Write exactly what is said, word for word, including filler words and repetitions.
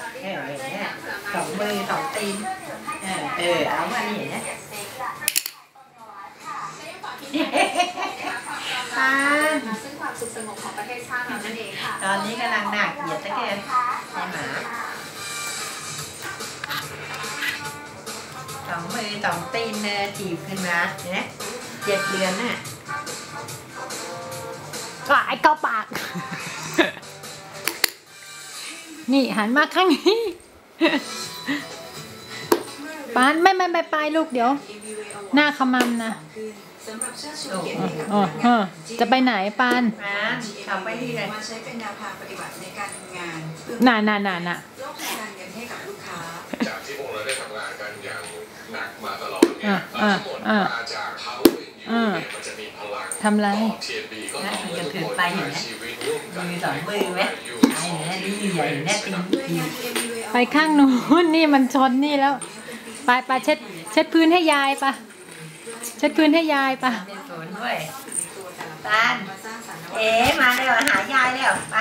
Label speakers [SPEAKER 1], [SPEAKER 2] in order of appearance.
[SPEAKER 1] เออเนี่ยสองมือสองตีนเออเออเอามานี่นะปานซึ่งความสุขสงบของประเทศชาตินั่นเองค่ะตอนนี้กำลังหนักเหยียดตะแกรงใช่หมาสองมือสองตีนเนอจีบขึ้นมาเนี่ยเจ็ดเดือนน่ะ
[SPEAKER 2] ก็ไอ้เกาปากนี่หันมาข้างนี้ปานไม่ไม่ไม่ไปลูกเดี๋ยวหน้าขมำนะอ๋อจะไปไหนปาน
[SPEAKER 1] ปานเอาไปที่ไหน
[SPEAKER 3] มาใช้เป็นแนวทางปฏิบัติในการทำงาน
[SPEAKER 2] น่ะน่ะน่ะน่ะ
[SPEAKER 3] โลกการเงินให้กับลูกค้า
[SPEAKER 4] จากที่พวกเราได้ทำงานกันอย่างหนักมาตลอดเนี่ยทั้งหมดมาจากเขาอยู่เนี่ยมันจะมีพลัง
[SPEAKER 2] ทำไร
[SPEAKER 4] เทียนบีก็ต้อง
[SPEAKER 1] จะถือไปเห็นไหมมือสองมือไหมไอ้เนี่ยดีใหญ่แน่ตีนตี
[SPEAKER 2] ไปข้างนู้นนี่มันชนนี่แล้วไปไปเช็ดเช็ดพื้นให้ยายปะเช็ดพื้นให้ยายปะ
[SPEAKER 1] เป็นศูนย์ด้วยปานเอ๋มาแล้วหายายแล้วป